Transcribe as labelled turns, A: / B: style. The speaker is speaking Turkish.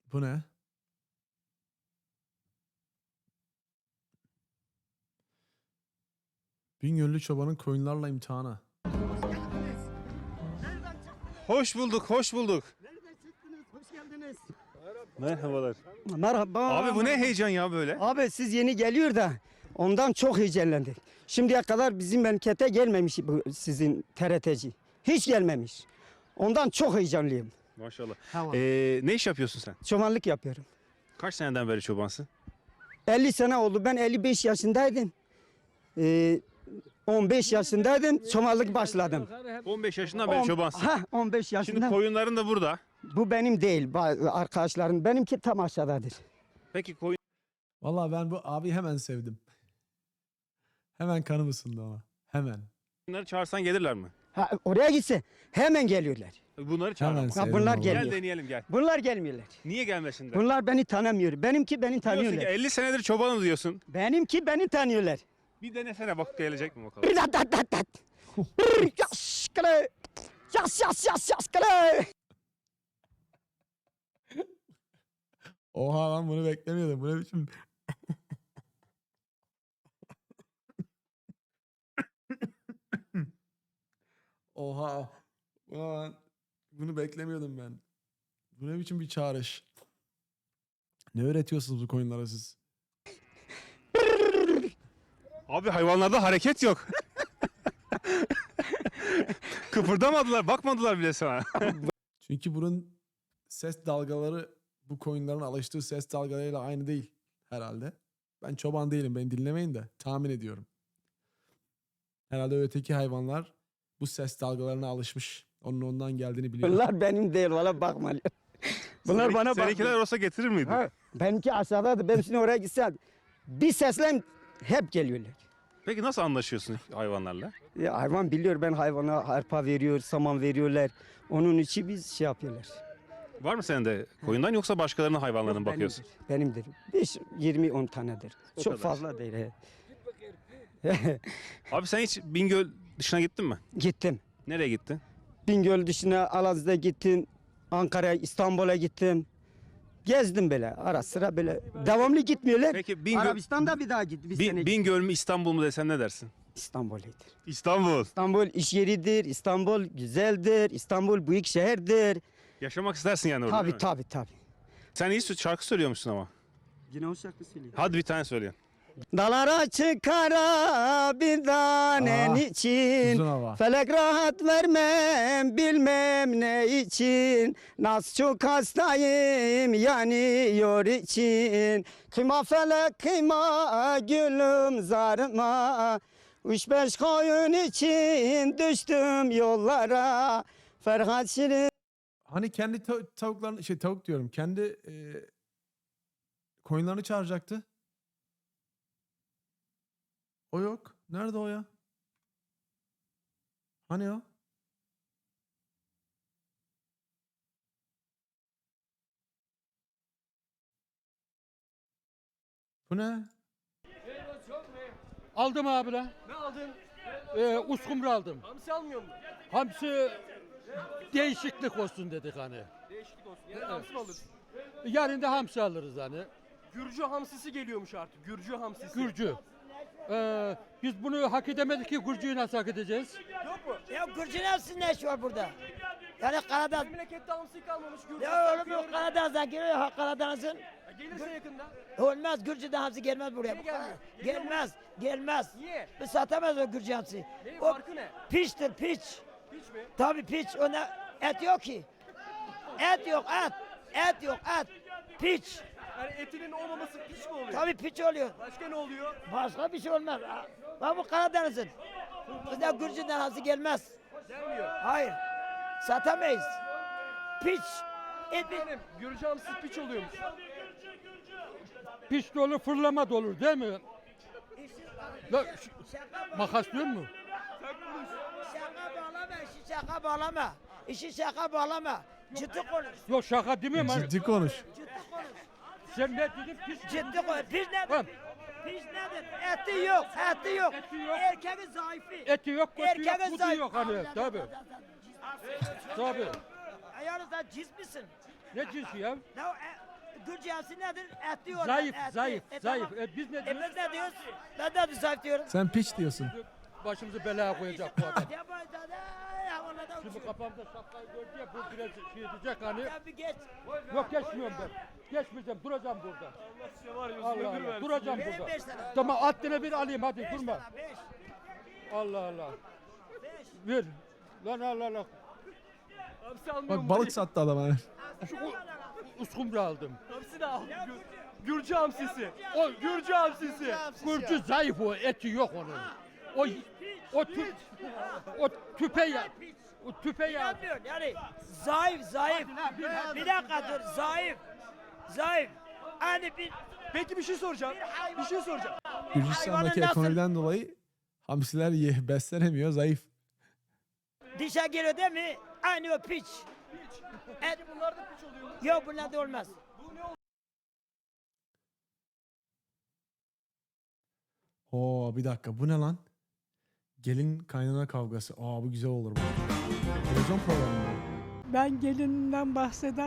A: Bu ne? Bingöllü çobanın koyunlarla imtihanı.
B: Hoş bulduk, hoş bulduk.
C: Nereden çıktınız? Hoş geldiniz.
B: Merhabalar.
C: Merhaba.
B: Abi bu ne heyecan ya böyle?
C: Abi siz yeni geliyor da ondan çok heyecanlandık. Şimdiye kadar bizim memlekete gelmemiş bu sizin TRT'ci. Hiç gelmemiş. Ondan çok heyecanlıyım.
B: Maşallah.
C: Tamam.
B: Ne iş yapıyorsun sen?
C: Çobanlık yapıyorum.
B: Kaç seneden beri çobansın?
C: 50 sene oldu. Ben 55 yaşındaydım. 15 yaşındaydım. Çobanlık başladım.
B: 15 yaşından beri çobansın.
C: 15
B: Şimdi
C: yaşında.
B: koyunların da burada.
C: Bu benim değil. Arkadaşlarım. Benimki tam aşağıdadır.
B: Peki
A: Vallahi ben bu abi hemen sevdim. Hemen kanım ısındı ona. Hemen.
B: koyunları çağırsan gelirler mi?
C: Oraya gitse hemen geliyorlar.
B: Bunları çağır
A: Hemen
B: ama.
A: sevdim.
C: bunlar
A: vallahi.
C: geliyor.
B: Gel deneyelim gel.
C: Bunlar gelmiyorlar.
B: Niye gelmesinler?
C: Bunlar beni tanımıyor. Benimki beni
B: Diyorsun ki
C: tanıyorlar.
B: 50 senedir çobanım diyorsun.
C: Benimki beni tanıyorlar.
B: Bir denesene bak gelecek mi bakalım.
C: Bir dat dat dat dat. Bir yas kale. Yas yas yas yas kale.
A: Oha lan bunu beklemiyordum. Bu ne biçim? Oha. Ulan bunu beklemiyordum ben. Bu ne biçim bir çağrış? Ne öğretiyorsunuz bu koyunlara siz?
B: Abi hayvanlarda hareket yok. Kıpırdamadılar, bakmadılar bile sana.
A: Çünkü bunun ses dalgaları bu koyunların alıştığı ses dalgalarıyla aynı değil herhalde. Ben çoban değilim, beni dinlemeyin de tahmin ediyorum. Herhalde öteki hayvanlar bu ses dalgalarına alışmış. Onun ondan geldiğini biliyor.
C: Bunlar benim değil valla bakma. Bunlar bana
B: Seninkiler
C: bakmıyor.
B: olsa getirir miydi?
C: Ha, benimki aşağıdadır. Ben şimdi oraya gitsem bir sesle hep geliyorlar.
B: Peki nasıl anlaşıyorsun hayvanlarla?
C: Hayvan biliyor ben hayvana arpa veriyor, saman veriyorlar. Onun için biz şey yapıyorlar.
B: Var mı senin de koyundan yoksa başkalarının hayvanlarına mı bakıyorsun?
C: Benimdir. 5, 20, 10 tanedir.
B: O
C: Çok
B: kadar.
C: fazla değil. he.
B: Abi sen hiç Bingöl dışına gittin mi?
C: Gittim.
B: Nereye gittin?
C: Bingöl dışına Alaz'da gittim. Ankara'ya, İstanbul'a gittim. Gezdim böyle ara sıra böyle. Devamlı gitmiyorlar.
B: Peki Bingöl,
C: Arabistan'da bir daha git. Bir sene
B: Bingöl mü İstanbul mu desen ne dersin?
C: İstanbul'dur.
B: İstanbul.
C: İstanbul iş yeridir. İstanbul güzeldir. İstanbul büyük şehirdir.
B: Yaşamak istersin yani orada değil mi?
C: Tabii.
B: Sen iyi şarkı söylüyormuşsun ama.
C: Yine o şarkı söylüyor.
B: Hadi bir tane söyleyin.
C: Dalara çıkara bir tanen
A: Aa,
C: için.
A: Uzun hava.
C: Felek rahat vermem bilmem ne için. Nasıl çok hastayım yanıyor için. Kıyma felek kıyma gülüm zarıma. Üç beş koyun için düştüm yollara. Ferhat Şirin.
A: Hani kendi tavuklarını tavuk diyorum. Kendi koyunlarını çağıracaktı. O yok. Nerede o ya? Hani o? Bu ne?
D: Aldım abi lan.
E: Ne aldın?
D: Uskumru aldım.
E: Hamsi almıyor mu?
D: Hamsi değişiklik olsun dedik hani.
E: Değişiklik olsun. Yani hamsi mi alırsın?
D: Yarın da hamsi alırız hani.
E: Gürcü hamsisi geliyormuş artık. Gürcü hamsisi.
D: Gürcü. Biz bunu hak edemedik ki Gürcü'yü nasıl hak edeceğiz?
E: Yok mu?
F: Ya Gürcü'nün hepsinin ne işi var burada? Yani Karadağ...
E: Memlekette hamsi kalmamış. Gürcü
F: Ya oğlum
E: hamsi
F: bu Karadeniz'den geliyor ya Karadeniz'in.
E: gelirse yakında.
F: Olmaz Gürcü'den hamsi gelmez buraya.
E: Niye gelmiyor?
F: Gelmez.
E: Niye?
F: Biz satamaz o Gürcü hamsi.
E: Neyin
F: O
E: farkı ne?
F: piçtir piç.
E: Hiç mi?
F: Tabii piç. Ona et yok ki. Et yok et. Et yok et. Piç.
E: Yani etinin olmaması piç mi oluyor?
F: Tabii piç oluyor.
E: Başka ne oluyor?
F: Başka bir şey olmaz. Bak bu Karadeniz'in. Bizde Gürcü'den hamsi gelmez.
E: Gelmiyor.
F: Hayır. Satamayız. Piç. Et
E: Efendim Gürcü hamsisi piç oluyormuş.
D: Piş dolu fırlama dolu değil mi? Makas diyor mu?
F: Şaka bağlama, işi şaka bağlama. İşi şaka bağlama. Ciddi konuş.
D: Yok şaka demiyorum hani.
A: Ciddi konuş.
F: Ciddi konuş.
D: Sen ne dedin? Piş.
F: Ciddi konuş. Piç
D: Tamam.
F: nedir? Piç nedir? Eti yok, eti yok.
D: Eti yok.
F: Erkeğin zayıfı.
D: Eti yok, kotu yok,
F: Erkeğin
D: kutu
F: zayıfı.
D: yok hani. Tabii. Tabii.
F: Ayağını sen cis misin?
D: Ne cinsi ya?
F: Ya Gürcü hamsi nedir? Et diyorlar.
D: Zayıf,
F: et,
D: zayıf,
F: et,
D: zayıf.
F: tamam.
D: Biz ne
F: Biz
D: diyoruz?
F: ne diyoruz? Ben de zayıf diyorum.
A: Sen piç diyorsun.
D: Başımızı belaya koyacak bu adam.
F: Yabancı da havalarda
D: Şimdi
F: uçuyor.
D: kafamda şapkayı gördü ya bu biraz şey edecek hani.
F: Sen bir geç.
D: Yok geçmiyorum ben. Geçmeyeceğim duracağım burada.
E: Var ya,
D: Allah
E: ömür
D: Allah
E: versin.
D: duracağım
F: Benim
D: burada.
F: 5 tane.
D: Tamam haddine bir alayım hadi
F: 5
D: durma.
F: tane 5.
D: Allah Allah.
F: 5.
D: Ver. Lan Allah Allah.
E: Hamsi almıyor
A: Bak
E: mu?
A: balık sattı adam ha.
D: Şu uskumru aldım.
E: Hamsi de al. Gürcü hamsisi.
D: O
E: Gürcü hamsisi.
D: Gürcü zayıf o eti yok onun. O tüpe ya. O tüpe ya.
F: İnanmıyorsun yani. Zayıf, zayıf. Bir dakika dur. Zayıf. Zayıf. Hani bir
E: Peki bir şey soracağım. Bir şey soracağım.
A: Gürcistan'daki
F: hayvanın nasıl-
A: ekonomiden dolayı hamsiler beslenemiyor, zayıf.
F: dişe giriyor değil mi? Aynı o piç. Et.
E: Bunlar da piç oluyor mu?
F: Yok bunlar da olmaz.
A: Oo bir dakika bu ne lan? Gelin kaynana kavgası. Aa bu güzel olur bu. Televizyon programı mı?
G: Ben gelinimden bahseder